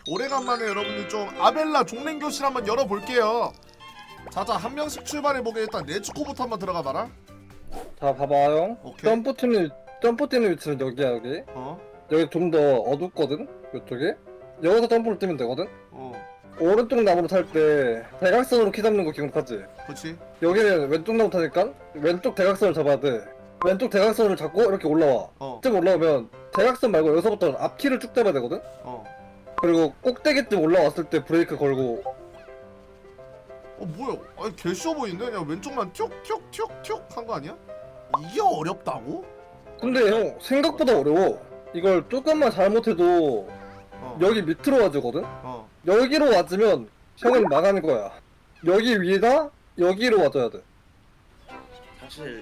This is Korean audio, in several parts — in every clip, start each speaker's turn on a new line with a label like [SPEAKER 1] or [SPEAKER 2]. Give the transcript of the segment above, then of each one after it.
[SPEAKER 1] 오래간만에 여러분들 좀 아벨라 종랭교실 한번 열어볼게요. 자자 한 명씩 출발해보게. 일단 네츠코부터 한번 들어가봐라.
[SPEAKER 2] 자 봐봐요.
[SPEAKER 1] 오케이.
[SPEAKER 2] 점프 뛰는 위치는 여기야 여기.
[SPEAKER 1] 어?
[SPEAKER 2] 여기 좀 더 어둡거든. 이쪽에. 여기서 점프를 뛰면 되거든.
[SPEAKER 1] 어
[SPEAKER 2] 오른쪽 나무로 탈 때 대각선으로 키 잡는 거 기억하지?
[SPEAKER 1] 그치.
[SPEAKER 2] 여기는 왼쪽 나무 타니까 왼쪽 대각선을 잡아야 돼. 왼쪽 대각선을 잡고 이렇게 올라와.
[SPEAKER 1] 어
[SPEAKER 2] 좀 올라오면 대각선 말고 여기서부터 앞키를 쭉 잡아야 되거든.
[SPEAKER 1] 어.
[SPEAKER 2] 그리고 꼭대기쯤 올라왔을 때 브레이크 걸고.
[SPEAKER 1] 뭐야? 아니 개 쉬워 보이는데? 그냥 왼쪽만 튀옥튀옥튀옥튀옥 한 거 아니야? 이게 어렵다고?
[SPEAKER 2] 근데 형 생각보다 어려워. 이걸 조금만 잘못해도 여기 밑으로 와주거든.
[SPEAKER 1] 어.
[SPEAKER 2] 여기로 와주면 형은 나가는 거야. 여기 위에다 여기로 와줘야 돼.
[SPEAKER 3] 사실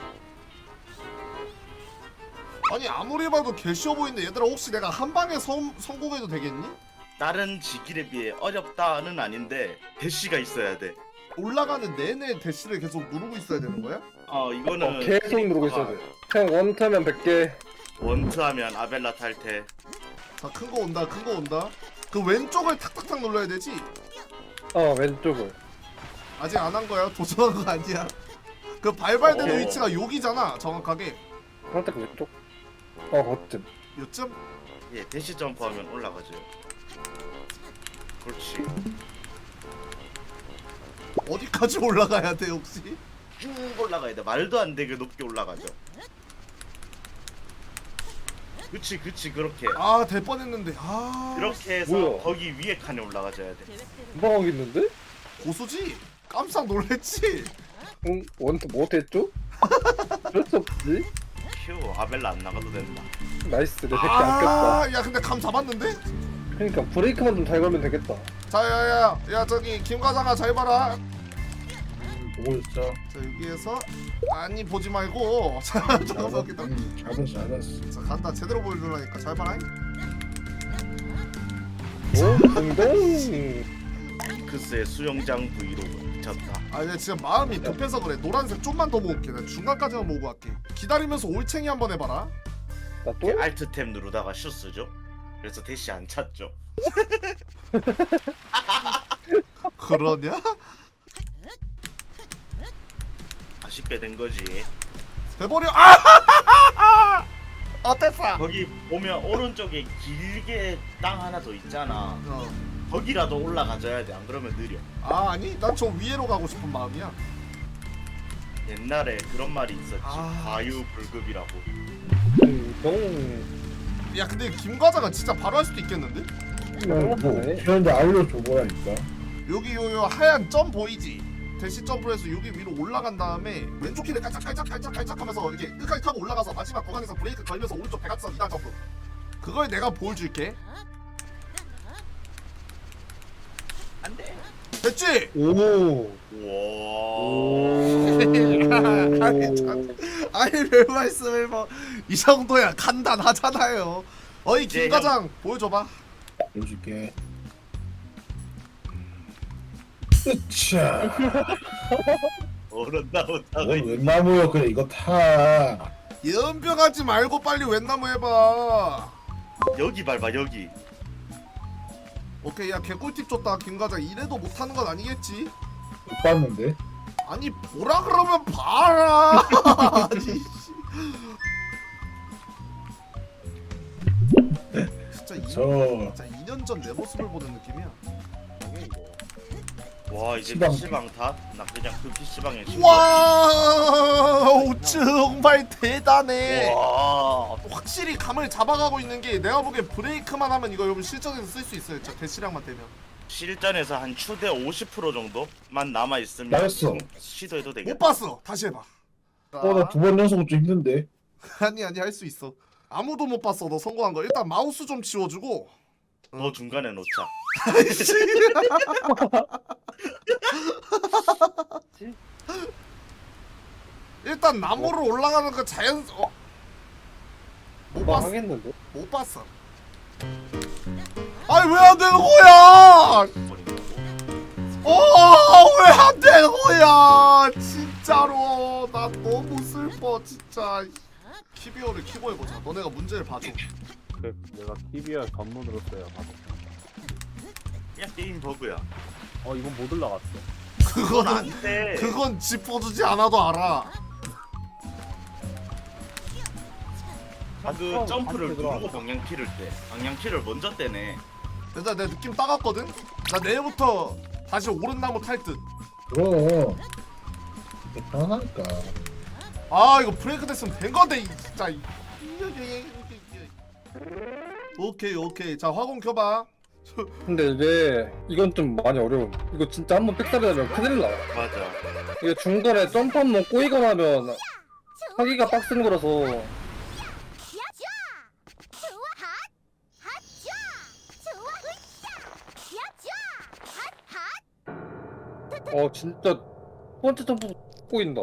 [SPEAKER 1] 아니 아무리 봐도 개 쉬워 보이는데 얘들아 혹시 내가 한 방에 성공해도 되겠니?
[SPEAKER 3] 다른 지길에 비해 어렵다는 아닌데 대시가 있어야 돼.
[SPEAKER 1] 올라가는 내내 대시를 계속 누르고 있어야 되는 거야?
[SPEAKER 3] 이거는
[SPEAKER 2] 계속 누르고 있어야 돼. 형 원타면 100개.
[SPEAKER 3] 원트하면 아벨라 탈퇴.
[SPEAKER 1] 자 큰 거 온다 큰 거 온다. 그 왼쪽을 탁탁탁 눌러야 되지?
[SPEAKER 2] 왼쪽을.
[SPEAKER 1] 아직 안 한 거야. 도전한 거 아니야. 그 발발되는
[SPEAKER 3] 어.
[SPEAKER 1] 위치가 여기잖아 정확하게.
[SPEAKER 2] 살짝 왼쪽. 거쯤.
[SPEAKER 1] 요쯤?
[SPEAKER 3] 예, 대시 점프하면 올라가죠. 그렇지.
[SPEAKER 1] 어디까지 올라가야 돼 혹시?
[SPEAKER 3] 쭉 올라가야 돼. 말도 안 되게 높게 올라가죠. 그치 그렇게.
[SPEAKER 1] 아 될 뻔했는데. 아
[SPEAKER 3] 이렇게 해서
[SPEAKER 2] 뭐야?
[SPEAKER 3] 거기 위에 칸에 올라가줘야 돼.
[SPEAKER 2] 금방 하겠는데?
[SPEAKER 1] 고수지? 깜짝 놀랬지?
[SPEAKER 2] 응? 원타 못했죠? 어쩔 수 없지.
[SPEAKER 3] 휴, 아벨라 안 나가도 된다.
[SPEAKER 2] 나이스 내 새끼 안 꼈다.
[SPEAKER 1] 야 근데 감 잡았는데?
[SPEAKER 2] 그러니까 브레이크만 좀 잘 걸면 되겠다.
[SPEAKER 1] 자 야야야 저기 김 과장아 잘 봐라.
[SPEAKER 4] 보고 있어.
[SPEAKER 1] 자 여기에서 아니 보지 말고 자 저기다.
[SPEAKER 4] 알았어.
[SPEAKER 1] 자 간다. 제대로 보여주려니까 잘 봐라.
[SPEAKER 2] 오? 동동.
[SPEAKER 3] 핑크스의 수영장 브이로그 미쳤다.
[SPEAKER 1] 아 내가 진짜 마음이 급해서 그래. 노란색 좀만 더 모을게. 나 중간까지만 모으고 갈게. 기다리면서 올챙이 한번 해봐라.
[SPEAKER 2] 나 또?
[SPEAKER 3] 알트 탭 누르다가 슛 쓰죠. 그래서 대시 안 찼죠.
[SPEAKER 1] 그러냐?
[SPEAKER 3] 아쉽게 된 거지.
[SPEAKER 1] 돼버려. 아! 어땠어?
[SPEAKER 3] 거기 보면 오른쪽에 길게 땅 하나 더 있잖아.
[SPEAKER 1] 어.
[SPEAKER 3] 거기라도 올라가줘야 돼. 안 그러면 느려.
[SPEAKER 1] 아 아니 난 저 위에로 가고 싶은 마음이야.
[SPEAKER 3] 옛날에 그런 말이 있었지.
[SPEAKER 1] 아.
[SPEAKER 3] 과유불급이라고.
[SPEAKER 2] 동동.
[SPEAKER 1] 야 근데 김 과장은 진짜 바로 할 수도 있겠는데?
[SPEAKER 4] 뭐 그런데 알려줘 보라니까.
[SPEAKER 1] 여기 요 하얀 점 보이지? 대시 점프를 해서 여기 위로 올라간 다음에 왼쪽 키를 깔짝깔짝 하면서 이렇게 끝까지 타고 올라가서 마지막 구간에서 브레이크 걸면서 오른쪽 대각선 2단 점프. 그걸 내가 보여줄게.
[SPEAKER 3] 안 돼.
[SPEAKER 1] 됐지?
[SPEAKER 2] 오.
[SPEAKER 3] 우와.
[SPEAKER 1] 아니 별 말씀을 뭐 이 정도야 간단하잖아요. 어이 김
[SPEAKER 3] 네,
[SPEAKER 1] 과장 보여줘봐.
[SPEAKER 4] 보여줄게. 으차.
[SPEAKER 3] 어른 나오다가
[SPEAKER 4] 넌 웬나무야 그래 이거 타.
[SPEAKER 1] 연병하지 말고 빨리 웬나무 해봐.
[SPEAKER 3] 여기 밟아 여기.
[SPEAKER 1] 오케이 야 개꿀팁 줬다 김 과장. 이래도 못하는 건 아니겠지?
[SPEAKER 4] 못 봤는데.
[SPEAKER 1] 아니 보라 그러면 봐라. 아니 씨. 진짜
[SPEAKER 4] 저
[SPEAKER 1] 진짜 2년 전 내 모습을 보는 느낌이야.
[SPEAKER 3] 와 이제
[SPEAKER 4] 시방.
[SPEAKER 3] PC방 다? 나 그냥 그 PC방에
[SPEAKER 1] 와우 정말 대단해.
[SPEAKER 3] 와.
[SPEAKER 1] 확실히 감을 잡아가고 있는 게 내가 보기엔 브레이크만 하면 이거 여러분 실전에서 쓸 수 있어요. 진짜 대시량만 되면.
[SPEAKER 3] 실전에서 한 추대 50% 정도만 남아 있으면
[SPEAKER 4] 나였어.
[SPEAKER 3] 시도해도
[SPEAKER 1] 못
[SPEAKER 3] 되겠다.
[SPEAKER 1] 봤어. 다시 해봐.
[SPEAKER 4] 나 두 번 연속 좀 힘든데.
[SPEAKER 1] 아니 할 수 있어. 아무도 못 봤어. 너 성공한 거. 일단 마우스 좀 지워주고.
[SPEAKER 3] 너 중간에 놓자.
[SPEAKER 1] 일단 나무로 올라가는 거 자연. 못
[SPEAKER 2] 금방
[SPEAKER 1] 봤어.
[SPEAKER 2] 하겠는데?
[SPEAKER 1] 못 봤어. 아니 왜 안 되는 거야? 왜 안 되는 거야? 진짜로 나 너무 슬퍼 진짜. 키비어를 키고 해보자. 너네가 문제를 봐줘.
[SPEAKER 5] 내가 TVR 전문으로 써요. 바로.
[SPEAKER 3] 그냥 게임 버그야.
[SPEAKER 5] 이건 못 올라갔어.
[SPEAKER 3] 그건
[SPEAKER 1] 그거는
[SPEAKER 3] 안돼.
[SPEAKER 1] 그건 짚어주지 않아도 알아.
[SPEAKER 3] 그 점프를
[SPEAKER 5] 반대 들어가.
[SPEAKER 3] 누르고 방향키를 먼저 떼네.
[SPEAKER 1] 일단 내 느낌 따갔거든. 나 내일부터 다시 오른나무 탈 듯.
[SPEAKER 4] 그럼 편하니까.
[SPEAKER 1] 아 이거 브레이크 됐으면 된 건데 진짜. 오케이. 자 화공 켜봐.
[SPEAKER 2] 근데 이제 이건 좀 많이 어려움. 이거 진짜 한번 삑사리하면 큰일 나.
[SPEAKER 3] 맞아.
[SPEAKER 2] 이게 중간에 점프 한번 꼬이거나 하면 하기가 빡센 거라서. 진짜 첫 번째 점프 꼬인다.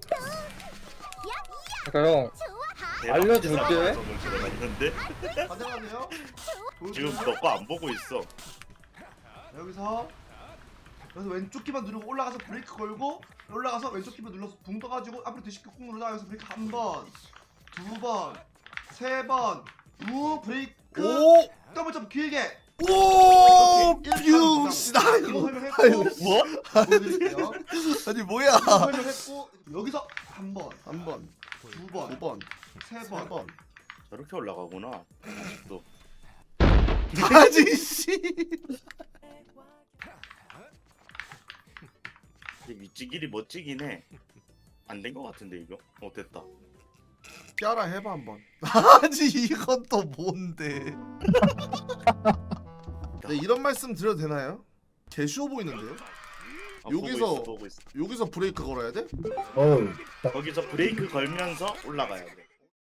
[SPEAKER 2] 그러니까 형 알려줄게.
[SPEAKER 3] 들어갔는데
[SPEAKER 1] 안녕하세요.
[SPEAKER 3] 지금 너거 안 보고 있어.
[SPEAKER 6] 여기서 왼쪽 키만 누르고 올라가서 브레이크 걸고 올라가서 왼쪽 키만 눌러서 붕 떠가지고 앞으로 뒤집기 꾹 누르다가 여기서 브레이크 한 번, 두 번, 세 번, 우 브레이크
[SPEAKER 1] 오!
[SPEAKER 6] 더블 점프 길게.
[SPEAKER 1] 오!
[SPEAKER 6] 이렇게
[SPEAKER 1] 병신아
[SPEAKER 6] 이거
[SPEAKER 1] 이거.
[SPEAKER 6] 설명했고
[SPEAKER 3] 뭐?
[SPEAKER 6] 보여드릴게요.
[SPEAKER 1] 아니 뭐야?
[SPEAKER 6] 설명했고 여기서 한 번,
[SPEAKER 1] 한 번,
[SPEAKER 6] 두 번,
[SPEAKER 1] 두 번,
[SPEAKER 6] 세
[SPEAKER 1] 세
[SPEAKER 6] 번.
[SPEAKER 1] 번.
[SPEAKER 3] 저렇게 올라가구나. 아직도.
[SPEAKER 1] 아니 씨.
[SPEAKER 3] 위치길이 멋지긴 해. 안 된 거 같은데 이거? 됐다.
[SPEAKER 1] 깨라 해봐 한번. 아니 이건 또 뭔데? 네, 이런 말씀 드려도 되나요? 개 쉬워 보이는데요?
[SPEAKER 3] 보고 있어.
[SPEAKER 1] 여기서 브레이크 걸어야 돼?
[SPEAKER 4] 어우.
[SPEAKER 3] 거기서 브레이크 걸면서 올라가야 돼.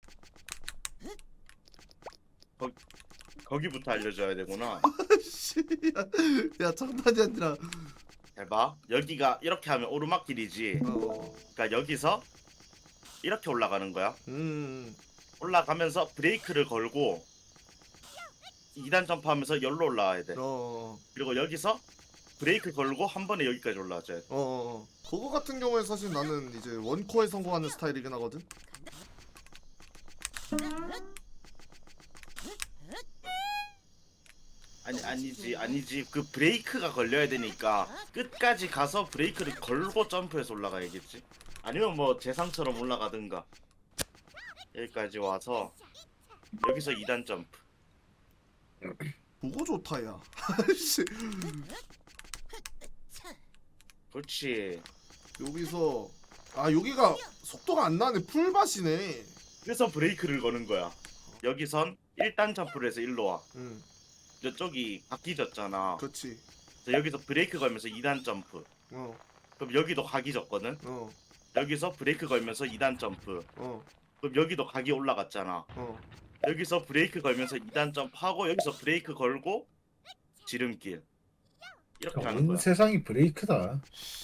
[SPEAKER 3] 거기부터 알려줘야 되구나.
[SPEAKER 1] 씨, 야 장난이 아니라.
[SPEAKER 3] 잘 봐. 여기가 이렇게 하면 오르막길이지. 그러니까 여기서 이렇게 올라가는 거야. 올라가면서 브레이크를 걸고 2단 점프하면서 열로 올라와야 돼. 그리고 여기서 브레이크 걸고 한 번에 여기까지 올라와줘야 돼.
[SPEAKER 1] 그거 같은 경우에 사실 나는 이제 원코어에 성공하는 스타일이긴 하거든.
[SPEAKER 3] 아니지. 그 브레이크가 걸려야 되니까 끝까지 가서 브레이크를 걸고 점프해서 올라가야겠지. 아니면 뭐 재상처럼 올라가든가. 여기까지 와서 여기서 2단 점프.
[SPEAKER 1] 그거 좋다 야. 씨.
[SPEAKER 3] 그렇지.
[SPEAKER 1] 여기서 여기가 속도가 안 나네. 풀밭이네.
[SPEAKER 3] 그래서 브레이크를 거는 거야. 여기선 1단 점프를 해서 일로 와. 저쪽이 바뀌졌잖아.
[SPEAKER 1] 그렇지.
[SPEAKER 3] 그래서 여기서 브레이크 걸면서 2단 점프. 그럼 여기도 각이 졌거든. 여기서 브레이크 걸면서 2단 점프. 그럼 여기도 각이 올라갔잖아. 여기서 브레이크 걸면서 2단 점프하고 여기서 브레이크 걸고 지름길. 이렇게 하는
[SPEAKER 4] 온
[SPEAKER 3] 거야.
[SPEAKER 4] 세상이 브레이크다.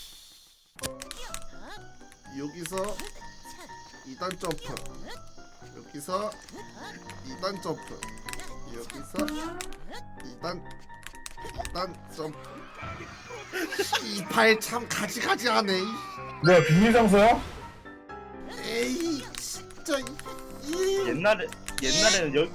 [SPEAKER 1] 여기서 2단 점프. 여기서 2단 점프. 여기서 2단 점프. 이발 참 가지가지하네.
[SPEAKER 4] 뭐야 비밀 장소야?
[SPEAKER 1] 에이 진짜
[SPEAKER 3] 옛날에는 여기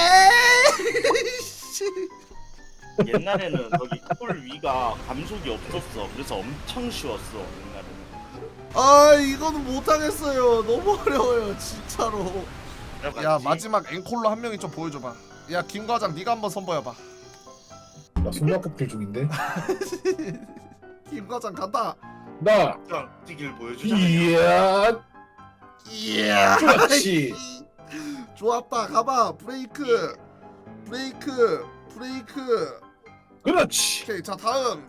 [SPEAKER 3] 옛날에는 거기 홀 위가 감속이 없었어. 그래서 엄청 쉬웠어 옛날에는.
[SPEAKER 1] 이거는 못하겠어요. 너무 어려워요 진짜로. 야 마지막 앵콜로 한 명이 좀 보여줘봐. 야 김과장 네가 한번 선보여봐.
[SPEAKER 4] 나 손바꼭질 중인데.
[SPEAKER 1] 김과장 간다.
[SPEAKER 4] 나
[SPEAKER 3] 뛰길 보여주자.
[SPEAKER 4] 이야 그렇지.
[SPEAKER 1] 좋았다. 가봐. 브레이크.
[SPEAKER 4] 그렇지.
[SPEAKER 1] 오케이 자 다음.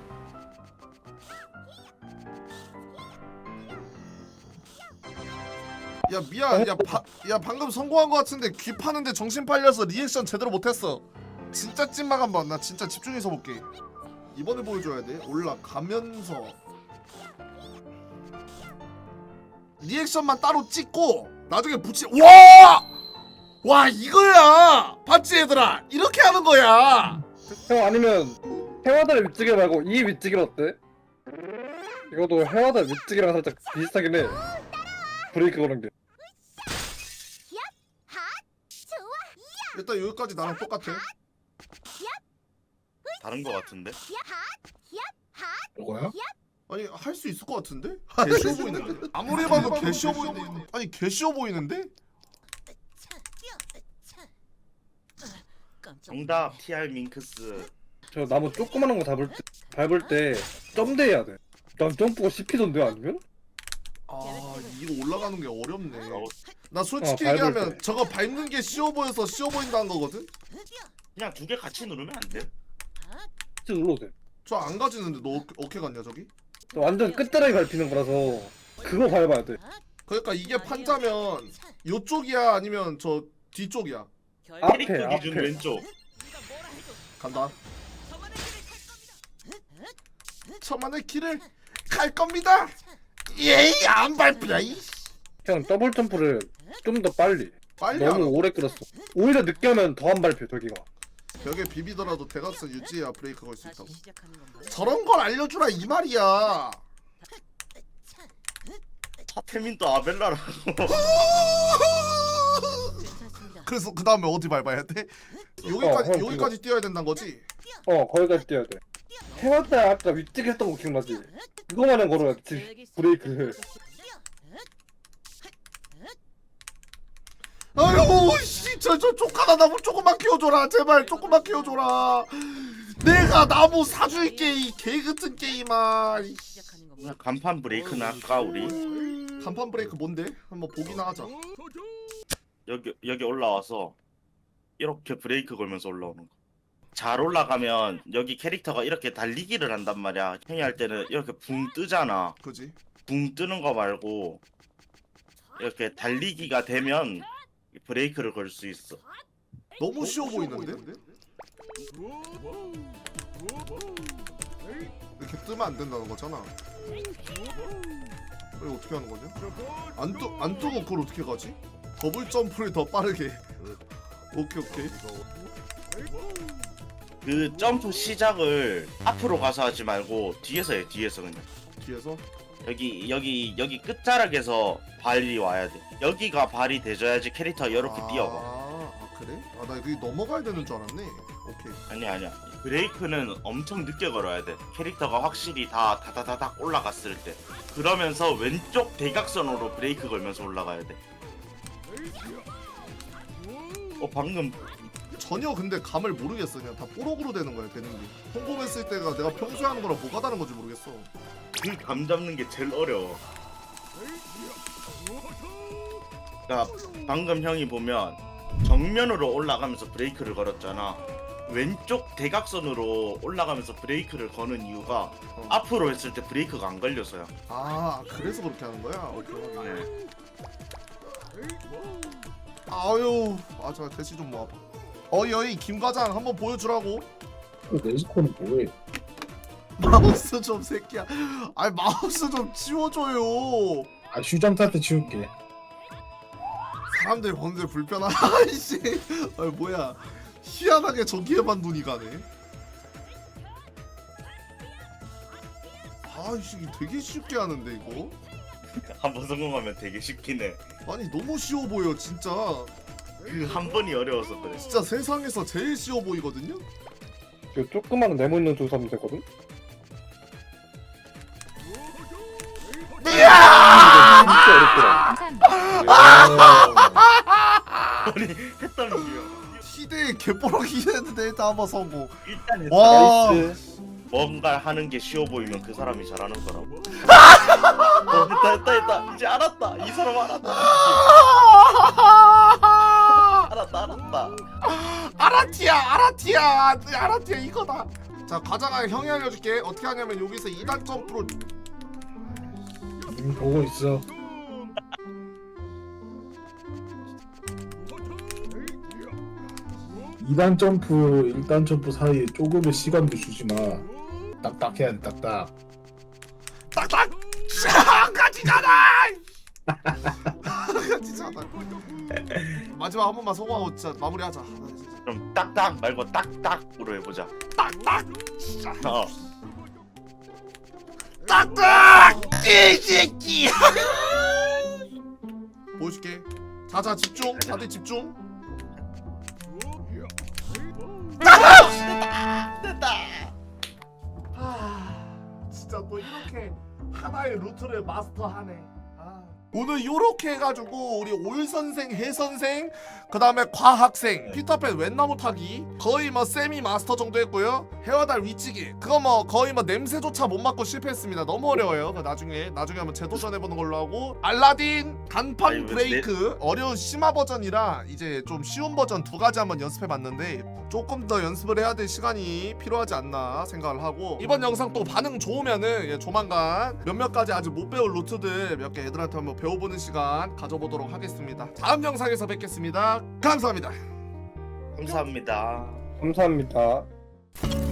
[SPEAKER 1] 야 미안. 야 방금 성공한 거 같은데 귀 파는데 정신 팔려서 리액션 제대로 못했어. 진짜 찐막 한번. 나 진짜 집중해서 볼게. 이번에 보여줘야 돼. 올라가면서 리액션만 따로 찍고 나중에 붙이. 와 이거야. 봤지 얘들아. 이렇게 하는 거야.
[SPEAKER 2] 형 아니면 해와달 밑지기 말고 이 밑지기 어때? 이것도 해와달 밑지기랑 살짝 비슷하긴 해. 브레이크 거는 게.
[SPEAKER 1] 일단 여기까지 나랑 똑같아.
[SPEAKER 3] 다른 거 같은데?
[SPEAKER 4] 이거야?
[SPEAKER 1] 아니 할 수 있을 것 같은데? 개 쉬워 보이는데? 아무리 봐도 개 쉬워 보이는데? 아니 개 쉬워 보이는데?
[SPEAKER 3] 정답 TR 밍크스.
[SPEAKER 2] 저 나무 조그마한 거 밟을 때 점대해야 돼. 난 점프가 씹히던데 아니면?
[SPEAKER 1] 아 이거 올라가는 게 어렵네.
[SPEAKER 3] 어,
[SPEAKER 1] 나 솔직히
[SPEAKER 2] 밟을
[SPEAKER 1] 얘기하면
[SPEAKER 2] 때.
[SPEAKER 1] 저거 밟는 게 쉬워 보여서 쉬워 보인다는 거거든?
[SPEAKER 3] 그냥 두 개 같이 누르면 안 돼?
[SPEAKER 2] 진짜 눌러도 돼.
[SPEAKER 1] 저 안 가지는데 너 어떻게 갔냐 저기?
[SPEAKER 2] 저 완전 끝자락에 밟히는 거라서 그거 밟아야 돼.
[SPEAKER 1] 그러니까 이게 판자면 요쪽이야 아니면 저 뒤쪽이야?
[SPEAKER 2] 앞에,
[SPEAKER 3] 캐릭터 기준
[SPEAKER 2] 앞에.
[SPEAKER 3] 왼쪽.
[SPEAKER 1] 간다. 저만의 길을 갈 겁니다. 예이 안 밟히냐 이.
[SPEAKER 2] 그냥 더블 점프를 좀 더 빨리.
[SPEAKER 1] 빨리
[SPEAKER 2] 너무
[SPEAKER 1] 하라고.
[SPEAKER 2] 오래 끌었어. 오히려 늦게 하면 더 안 밟혀 저기가.
[SPEAKER 1] 벽에 비비더라도 대각선 유지해야 브레이크 걸 수 있다고. 저런 걸 알려주라 이 말이야.
[SPEAKER 3] 하태민도 아벨라라고.
[SPEAKER 1] 그래서 그 다음에 어디 밟아야 돼? 여기까지
[SPEAKER 2] 형,
[SPEAKER 1] 여기까지 뛰어야 된다는 거지?
[SPEAKER 2] 거기까지 뛰어야 돼. 해왔다 아까 위쪽에 했던 거 기억나지? 그거만은 걸어야지 브레이크.
[SPEAKER 1] 아유 진짜 저 조카나 나무 조금만 키워줘라 제발 조금만 키워줘라. 내가 나무 사줄게 이 개같은 게임아.
[SPEAKER 3] 그냥 간판 브레이크나 할까 우리?
[SPEAKER 1] 간판 브레이크 뭔데? 한번 보기나 하자.
[SPEAKER 3] 여기 올라와서 이렇게 브레이크 걸면서 올라오는 거. 잘 올라가면 여기 캐릭터가 이렇게 달리기를 한단 말이야. 형이 할 때는 이렇게 붕 뜨잖아.
[SPEAKER 1] 그지?
[SPEAKER 3] 붕 뜨는 거 말고 이렇게 달리기가 되면 브레이크를 걸 수 있어.
[SPEAKER 1] 너무 쉬워 보이는데? 이렇게 뜨면 안 된다는 거잖아. 이거 어떻게 하는 거냐? 안 뜨고 그걸 어떻게 가지? 더블 점프를 더 빠르게. 오케이.
[SPEAKER 3] 그 점프 시작을 앞으로 가서 하지 말고 뒤에서 해. 뒤에서 그냥.
[SPEAKER 1] 뒤에서?
[SPEAKER 3] 여기 끝자락에서 발이 와야 돼. 여기가 발이 돼줘야지 캐릭터가 이렇게 뛰어가.
[SPEAKER 1] 아 그래? 아 나 여기 넘어가야 되는 줄 알았네. 오케이.
[SPEAKER 3] 아니야. 브레이크는 엄청 늦게 걸어야 돼. 캐릭터가 확실히 다 다다다닥 올라갔을 때. 그러면서 왼쪽 대각선으로 브레이크 걸면서 올라가야 돼. 방금
[SPEAKER 1] 전혀 근데 감을 모르겠어. 그냥 다 뽀록으로 되는 거야 되는 게. 홈홈했을 때가 내가 평소에 하는 거랑 뭐가 다른 건지 모르겠어.
[SPEAKER 3] 그 감 잡는 게 제일 어려워. 그러니까 방금 형이 보면 정면으로 올라가면서 브레이크를 걸었잖아. 왼쪽 대각선으로 올라가면서 브레이크를 거는 이유가 앞으로 했을 때 브레이크가 안 걸려서요.
[SPEAKER 1] 아 그래서 그렇게 하는 거야? 오케이.
[SPEAKER 3] 네.
[SPEAKER 1] 아유 자 대시 좀 모아봐. 여기 김 과장 한번 보여주라고.
[SPEAKER 4] 네스코는 뭐해?
[SPEAKER 1] 마우스 좀 새끼야. 아니 마우스 좀 치워줘요.
[SPEAKER 4] 아 휴장 탓때 치울게.
[SPEAKER 1] 사람들 보는데 불편하다. 아이씨. 아니 뭐야. 희한하게 저기에만 눈이 가네. 아이씨 되게 쉽게 하는데 이거.
[SPEAKER 3] 한번 성공하면 되게 쉽긴 해.
[SPEAKER 1] 아니 너무 쉬워 보여 진짜.
[SPEAKER 3] 그 한 번이 어려워서 그래.
[SPEAKER 1] 진짜 세상에서 제일 쉬워 보이거든요.
[SPEAKER 2] 저 조그마한 네모 있는 줄 사면 되거든. 진짜 어렵더라.
[SPEAKER 3] 아니 했다는 게요.
[SPEAKER 1] 시대의 개뽀록이 됐는데 일단 한번 성공.
[SPEAKER 3] 일단 했다.
[SPEAKER 1] 와.
[SPEAKER 2] 나이스.
[SPEAKER 3] 뭔가 하는 게 쉬워 보이면 그 사람이 잘하는 거라고. 됐다. 이제 알았다. 이 사람 알았다. 알았다.
[SPEAKER 1] 아라티야 이거다. 자 과장아 형이 알려줄게. 어떻게 하냐면 여기서 2단 점프로
[SPEAKER 4] 보고 있어. 이단 점프, 1단 점프 사이에 조금의 시간도 주지 마. 딱딱 해야 돼, 딱딱.
[SPEAKER 1] 딱딱 같이 가라. 같이 가라. 마지막 한 번만 성공하고 진짜 마무리하자.
[SPEAKER 3] 그럼 딱딱 말고 딱딱으로 해보자.
[SPEAKER 1] 딱딱
[SPEAKER 3] 어.
[SPEAKER 1] 딱딱 이 새끼. 보여줄게. 자자 집중. 다들 집중.
[SPEAKER 3] 됐다.
[SPEAKER 1] 또 이렇게 하나의 루트를 마스터하네. 오늘 요렇게 해가지고 우리 올 선생, 해 선생, 그 다음에 과학생, 피터팬 웬나무 타기 거의 뭐 세미 마스터 정도 했고요. 헤어달 위치기 그거 뭐 거의 뭐 냄새조차 못 맡고 실패했습니다. 너무 어려워요. 나중에 한번 재도전해보는 걸로 하고 알라딘 간판
[SPEAKER 3] 아니, 왜
[SPEAKER 1] 브레이크 어려운 심화 버전이라 이제 좀 쉬운 버전 두 가지 한번 연습해봤는데 조금 더 연습을 해야 될 시간이 필요하지 않나 생각을 하고 이번 영상 또 반응 좋으면은 조만간 몇몇 가지 아직 못 배울 루트들 몇 개 애들한테 한번 배워보는 시간 가져보도록 하겠습니다. 다음 영상에서 뵙겠습니다. 감사합니다.
[SPEAKER 3] 감사합니다.
[SPEAKER 2] 감사합니다.